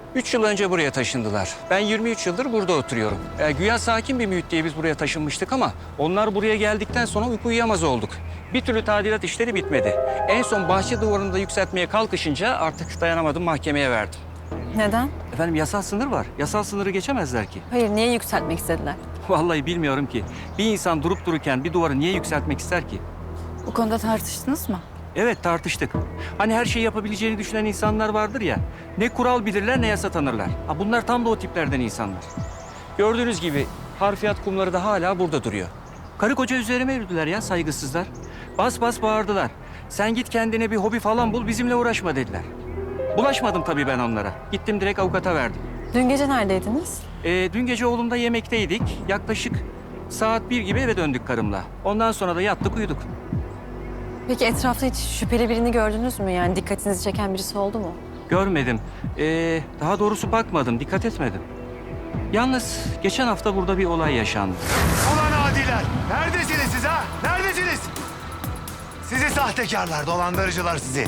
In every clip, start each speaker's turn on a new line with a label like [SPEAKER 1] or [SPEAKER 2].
[SPEAKER 1] 3 yıl önce buraya taşındılar. Ben 23 yıldır burada oturuyorum. Güya sakin bir mühit diye biz buraya taşınmıştık ama onlar buraya geldikten sonra uyku uyuyamaz olduk. Bir türlü tadilat işleri bitmedi. En son bahçe duvarını da yükseltmeye kalkışınca artık dayanamadım, mahkemeye verdim.
[SPEAKER 2] Neden?
[SPEAKER 1] Efendim yasal sınır var. Yasal sınırı geçemezler ki.
[SPEAKER 2] Hayır, niye yükseltmek istediler?
[SPEAKER 1] Vallahi bilmiyorum ki. Bir insan durup dururken bir duvarı niye yükseltmek ister ki?
[SPEAKER 2] Bu konuda tartıştınız mı?
[SPEAKER 1] Evet, tartıştık. Hani her şeyi yapabileceğini düşünen insanlar vardır ya. Ne kural bilirler ne yasa tanırlar. Ha, bunlar tam da o tiplerden insanlar. Gördüğünüz gibi harfiyat kumları da hala burada duruyor. Karı koca üzerime yürüdüler ya, saygısızlar. Bas bas bağırdılar. Sen git kendine bir hobi falan bul, bizimle uğraşma dediler. Bulaşmadım tabii ben onlara. Gittim direkt avukata verdim.
[SPEAKER 2] Dün gece neredeydiniz?
[SPEAKER 1] Dün gece oğlumda yemekteydik. Yaklaşık saat 1 gibi eve döndük karımla. Ondan sonra da yattık uyuduk.
[SPEAKER 2] Peki etrafta hiç şüpheli birini gördünüz mü? Yani dikkatinizi çeken birisi oldu mu?
[SPEAKER 1] Görmedim. Daha doğrusu bakmadım, dikkat etmedim. Yalnız geçen hafta burada bir olay yaşandı.
[SPEAKER 3] Ulan adiler! Neredesiniz siz ha? Neredesiniz? Sizi sahtekarlar, dolandırıcılar sizi.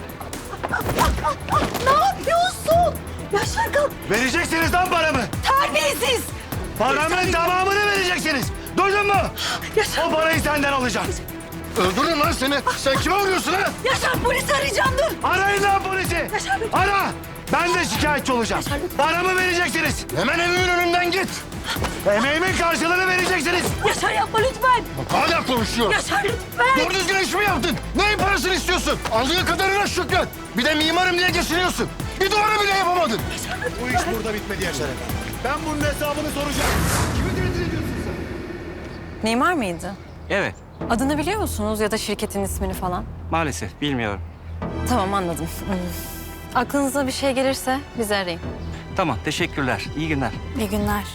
[SPEAKER 4] Ne yapıyorsun? Yaşar kalk.
[SPEAKER 3] Vereceksiniz lan paramı.
[SPEAKER 4] Terbiyesiz.
[SPEAKER 3] Paramın tamamını vereceksiniz. Duydun mu?
[SPEAKER 4] Yaşar.
[SPEAKER 3] O parayı senden alacağım.
[SPEAKER 5] Öldürürüm lan seni. Sen kime vuruyorsun ha?
[SPEAKER 4] Yaşar polisi arayacağım dur.
[SPEAKER 3] Arayın lan polisi.
[SPEAKER 4] Yaşar Bey.
[SPEAKER 3] Ara. Ben de şikayetçi olacağım.
[SPEAKER 4] Yaşar Bey.
[SPEAKER 3] Paramı vereceksiniz.
[SPEAKER 5] Hemen evimin önünden git.
[SPEAKER 3] Emeğimin karşılığını vereceksiniz.
[SPEAKER 4] Yaşar yapma lütfen.
[SPEAKER 5] Hala konuşuyor.
[SPEAKER 4] Yaşar lütfen.
[SPEAKER 5] Doğru düzgün iş mi yaptın? Neyin parasını istiyorsun? Aldığın kadarına şükret. Bir de mimarım diye geçiniyorsun. Bir duvarı bile yapamadın.
[SPEAKER 3] Bu iş burada bitmedi Yaşar Efendi. Ben bunun hesabını soracağım. Kimi tehdit ediyorsun sen?
[SPEAKER 2] Mimar mıydı?
[SPEAKER 1] Evet,
[SPEAKER 2] Adını biliyor musunuz ya da şirketin ismini falan?
[SPEAKER 1] maalesef bilmiyorum.
[SPEAKER 2] Tamam, anladım. Aklınıza bir şey gelirse bizi arayın.
[SPEAKER 1] Tamam, teşekkürler. İyi günler.
[SPEAKER 2] İyi günler.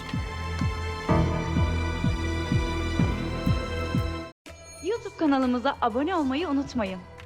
[SPEAKER 6] YouTube kanalımıza abone olmayı unutmayın.